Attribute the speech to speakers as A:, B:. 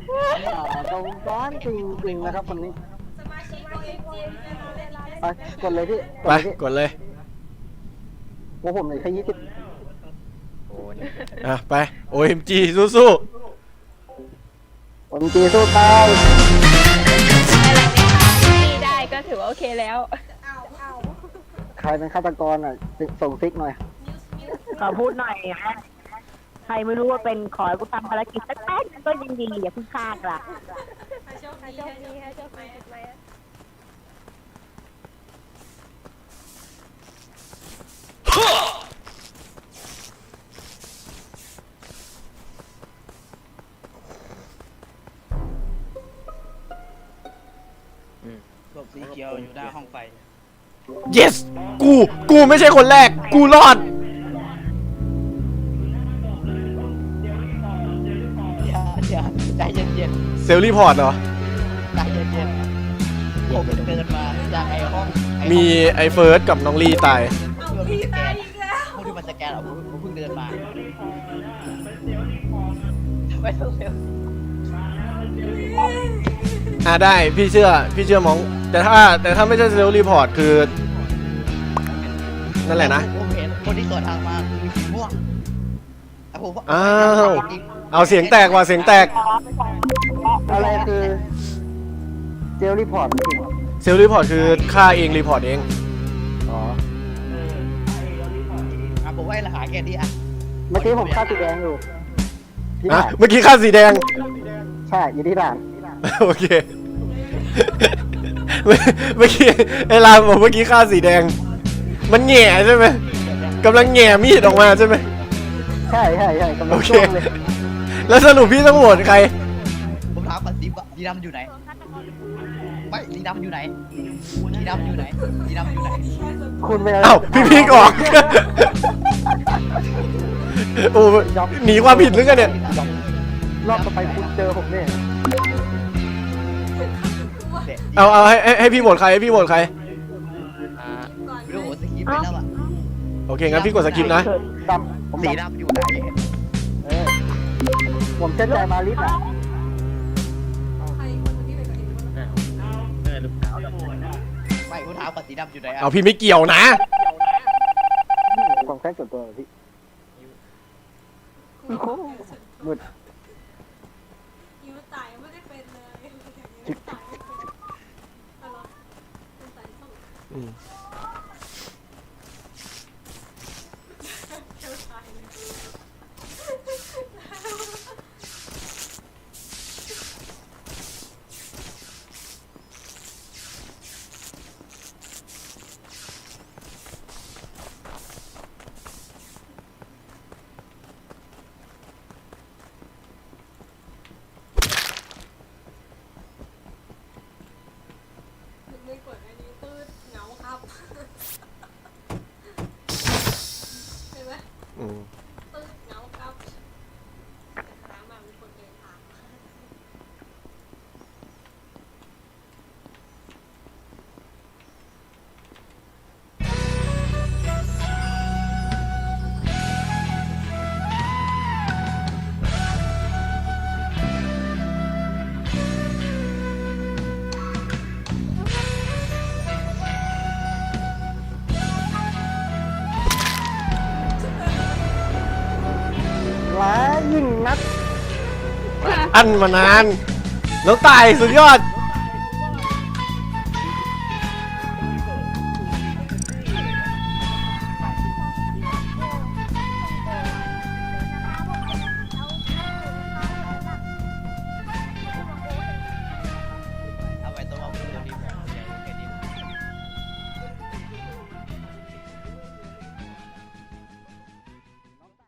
A: ตรงก้อนจริงๆนะครับคนนี้ไปกดเลยพี่
B: ไปกดเลย
A: ว่าผมเลยแค่20
B: ไป OMG สู้
A: ผมจีสู้ตาย
C: ได้ก็ถือว่าโอเคแล้ว
A: ใครเป็นฆาตกรอ่ะส่งซิกหน่อย
D: ขอพูดหน่อยนะใครไม่รู้ว่าเป็นขอให้กูทำภารกิจสักแป๊บก็ยังดีอย่าเพิ่งฆ่ากันละ
C: โชคดีค่ะโชคดีไหม
E: ศพสีเขียวอยู่หน้าห้องไฟ
B: yes กูไม่ใช่คนแรกกูรอด
E: เดี๋ยวใจเย็น
B: เซลล์รีพอร์ตเหรอ
E: ๆใจเย็นๆผมเดินมาจากไอ้ห้อง
B: มีไอ้เฟิร์สกับน้องลีตาย
E: พี่ตายอีกแล้วพวกที่มันสแกนผมเพิ่งเดินมาไม่ต้องเร็ว
B: ได้พี่เชื่อมองแต่ถ้าไม่ใช่เซลล์รีพอร์ตคือนั่นแหละนะ
E: ผมเห็นคนที่สวนทางมาคือสีม่วงผม
B: อ้าวเอาเสียงแตกว่ะเสียงแตก
A: อะไรคือเจลรีพอร์ต
B: เซลล์รีพอร์ตคือฆ่าเองรีพอร์ตเอง
A: อ๋อ
E: ผมว่าราคาแค่นี้อ่ะ
A: เมื่อกี้ผมฆ่าสีแดงอยู่ที่
B: อ่ะ
A: ด่าน
B: เมื่อกี้ฆ่าสีแดง
A: ใช่อยู่ที่ด่าน
B: โอเค เมื่อกี้ไอ้รามบอกเมื่อกี้ฆ่าสีแดง มันแง่ใช่ไหมกำลังแง่มีดออกมาใช่ไหม
A: ใช่กำลั
B: โอง เค
A: จ้วงเลย
B: แล้วสรุปพี่ต้องโหวตใคร
E: ผมถามก่อนสีดำอยู่ไหนไม่สีดำอยู่ไหนสีดำอยู่ไหนสีดำอยู่ไหน
A: คุณไป
B: เอ้าพี่พีกออก โอ้หนีความผิดหรือไงเนี่ย
A: รอบต่อไปคุณเจอผมเนี่ย
B: เอาให้พี่โหวตใครให้พี่โหวตใคร
E: ไม่รู้ผมสกิปไปแล้วอ่ะ
B: โอเคงั้นพี่กดสกิปนะ
A: ดำผม
E: สี
A: ดำ
E: ดำอยู่ไหน
A: ผมเชื่อใจมาลิสอ่ะ
E: ไม่ผมถามก่อนสีดำอยู่ไหนอ่ะ
B: เอาพี่ไม่เกี่ยวนะ
A: ผมแค่ส่วนตัวพี่มืด
F: ยิ้วตายไม่ได้เป็นเลยยิ้วตายไม่เป็นอะไรเป็นสายส่งเจ้าชายเลยไม่กดอันนี้ตืดเหงาครับเห็นไหม
B: อืม
F: ตืดเหงาครับถามมามีคนเดินทาง
A: ร้ายยิ่งนัก
B: อันมานาน แล้วตายสุดยอด